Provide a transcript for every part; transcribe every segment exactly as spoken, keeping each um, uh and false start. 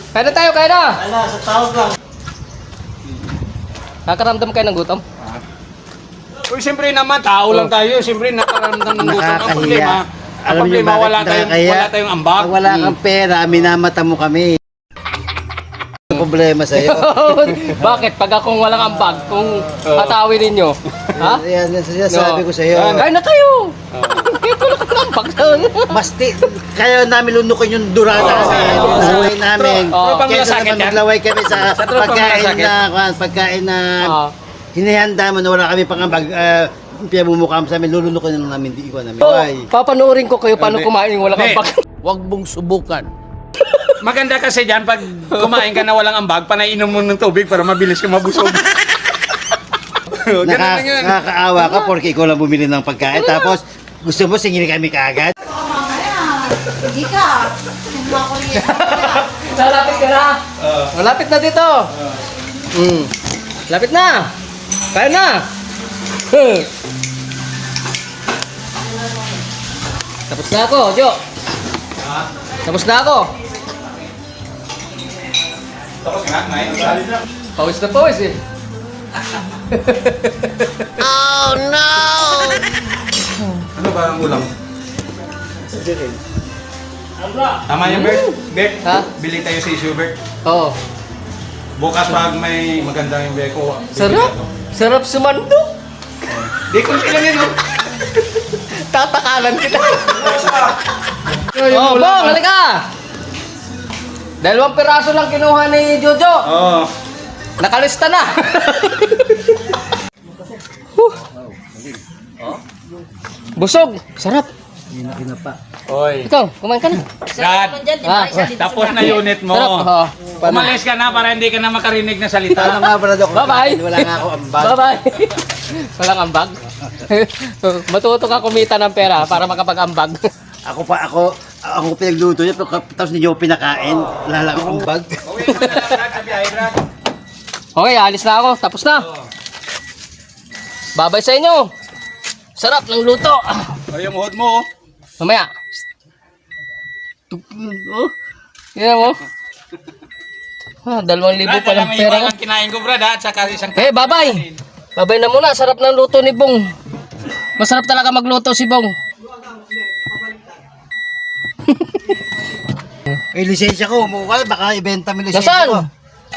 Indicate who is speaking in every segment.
Speaker 1: Kaya na tayo, kaya na!
Speaker 2: Ala, sa tawag lang.
Speaker 1: Nakaramdam kayo ng gutom?
Speaker 3: Uy, siyempre naman, tao lang tayo. Siyempre, nakaramdam ng gutom. Ang problema, ang
Speaker 2: Alam niyo
Speaker 3: problema,
Speaker 2: bakit
Speaker 3: wala tayong,
Speaker 2: nakakaya?
Speaker 3: wala tayong ambag.
Speaker 2: Pag wala kang pera, minamata mo kami. Ang problema sa'yo.
Speaker 1: Bakit? Pag akong walang ambag, kung hatawin ninyo, ha?
Speaker 2: Yan, yan sinasabi ko sa'yo.
Speaker 1: Kaya na kayo! Kaya ko lang ang ambag.
Speaker 2: Basti, kaya namin lunukin yung durata kasi laway namin.
Speaker 1: Oh.
Speaker 2: Kaya naman maglaway kami sa
Speaker 3: Sa tropa
Speaker 2: pagkain
Speaker 3: malasakit.
Speaker 2: na, pagkain na
Speaker 1: Ah.
Speaker 2: hinihanda mo na wala kami pangambag. Uh, pinamumukha sa amin, lulunukin na lang namin, di ko namin.
Speaker 1: So,
Speaker 2: Why?
Speaker 1: papanoorin ko kayo paano kumain yung walang
Speaker 3: Hindi.
Speaker 1: ambag.
Speaker 4: Huwag mong subukan.
Speaker 3: Maganda kasi dyan, pag kumain ka na walang ambag, panainom mo ng tubig para mabilis ka mabusog. Ganun
Speaker 2: Naka,
Speaker 3: lang yun.
Speaker 2: nakakaawa ka porque ikaw lang bumili ng pagkain. Tapos, gusto mo singili kami kaagad?
Speaker 5: Hindi ka. Summa ko rin.
Speaker 1: Malapit ka na. Malapit na dito. Mm. Lapit na. Kaya na. Tapos na ako, Jo. Tapos na ako.
Speaker 3: Tapos nga, ngayon.
Speaker 1: Pawis na pawis eh.
Speaker 4: Oh no!
Speaker 3: Ano ba ang ulam? Tama yan, Bert. Bert,
Speaker 1: Ha?
Speaker 3: bili tayo sa issue, Bert.
Speaker 1: Oo.
Speaker 3: Bukas pag may maganda yung beko.
Speaker 1: Sarap. Sarap sumando.
Speaker 3: Di ko ilan yun, oh.
Speaker 1: Tatakalan kita. Oh, Bong, halika. Dalawang piraso lang kinuha ni Jojo.
Speaker 3: Oo.
Speaker 1: Nakalista na. Busog. Sarap.
Speaker 3: Oy.
Speaker 1: Ikaw, kumain ka na.
Speaker 3: Dad,
Speaker 1: Ah,
Speaker 3: tapos na unit mo.
Speaker 1: Sarap. Oh.
Speaker 3: Umalis ka na para hindi ka na makarinig na
Speaker 2: Paano
Speaker 3: salita.
Speaker 2: nga pala ako?
Speaker 1: Bye-bye.
Speaker 2: Wala nga ako ambag.
Speaker 1: Bye-bye. Walang ambag. Matuto ka kumita ng pera para makapag-ambag.
Speaker 2: Ako pa, ako, ako pinagluto niya, pero tapos hindi ako pinakain. Wala lang akong ambag.
Speaker 3: Uwi mo na lang, Brad, sa biyahe, Brad.
Speaker 1: Okay, alis na ako. Tapos na. Babay sa inyo. Sarap ng luto.
Speaker 3: O, yung hood mo, oh.
Speaker 1: Mamaya. Oh, yan mo. Ah, dalawang libo
Speaker 3: Brad,
Speaker 1: pa
Speaker 3: alam
Speaker 1: lang
Speaker 3: mo
Speaker 1: pera
Speaker 3: yung
Speaker 1: ko.
Speaker 3: ang kinain ko, Brad, ha? At saka isang...
Speaker 1: Eh, babay. Babay na muna. Sarap ng luto ni Bong. Masarap talaga magluto si Bong.
Speaker 2: Eh, lisensya ko, mukha, baka ibenta mo yung lisensya
Speaker 1: Nasaan?
Speaker 2: ko.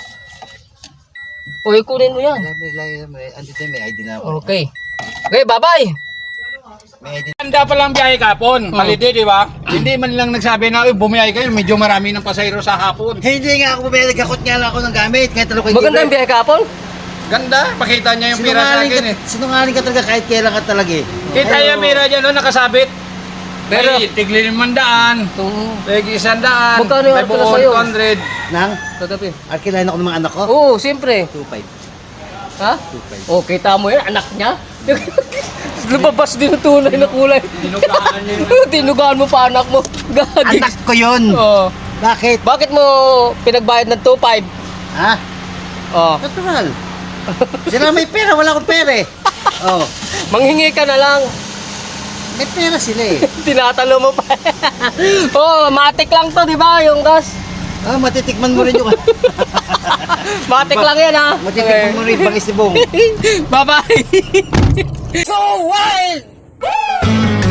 Speaker 1: Uy, kunin mo yan.
Speaker 2: May, may, may, andito may I D na ako.
Speaker 1: Okay. Okay, babay.
Speaker 2: May I D.
Speaker 3: Handa pa lang biyahe kapon. Holiday, di ba? Hindi man lang nagsabi na, uy, bumiyahe kayo, medyo marami ng pasayro sa hapon.
Speaker 2: Hindi nga ako bumili, nagkakot nga lang ako ng gamit. Kahit talo ko
Speaker 1: Maganda yung biyahe kahapon.
Speaker 3: Ganda, pakita niya yung pira sa
Speaker 2: Sinungaling
Speaker 3: akin,
Speaker 2: ka,
Speaker 3: eh.
Speaker 2: sinungaling ka talaga kahit kailan ka talaga eh.
Speaker 3: Kita yung pira dyan, oh, nakasabit.
Speaker 1: Pero-
Speaker 3: Pero, tigli limang daan,
Speaker 1: Oo.
Speaker 3: tigli isang daan,
Speaker 1: Magkano yung
Speaker 3: may
Speaker 1: arkila
Speaker 3: buong
Speaker 1: sa'yo?
Speaker 3: two hundred.
Speaker 2: Nang,
Speaker 1: Kagabi.
Speaker 2: arkilahin ako ng mga anak ko.
Speaker 1: Oo, siyempre.
Speaker 2: two five.
Speaker 1: Ha? Oh, kita mo yan, anak niya. Lumabas din ang tunay na kulay.
Speaker 3: Dinugaan niya yun.
Speaker 1: Tinugaan mo pa anak mo. Gagi.
Speaker 2: Anak ko yun!
Speaker 1: Oh.
Speaker 2: Bakit?
Speaker 1: Bakit mo pinagbayad ng two five?
Speaker 2: Ha?
Speaker 1: Oh.
Speaker 2: Natural. Sila may pera, wala akong pera eh. Oh,
Speaker 1: Manghingi ka na lang.
Speaker 2: may pera sila eh.
Speaker 1: Tinatalo mo pa. Oh, matik lang to, di ba? Yung gas.
Speaker 2: Ah, matitikman mo rin yung...
Speaker 1: Matik lang yan, ha?
Speaker 2: matitikman mo rin yung pang-isibong.
Speaker 1: Bye-bye.
Speaker 4: So wild!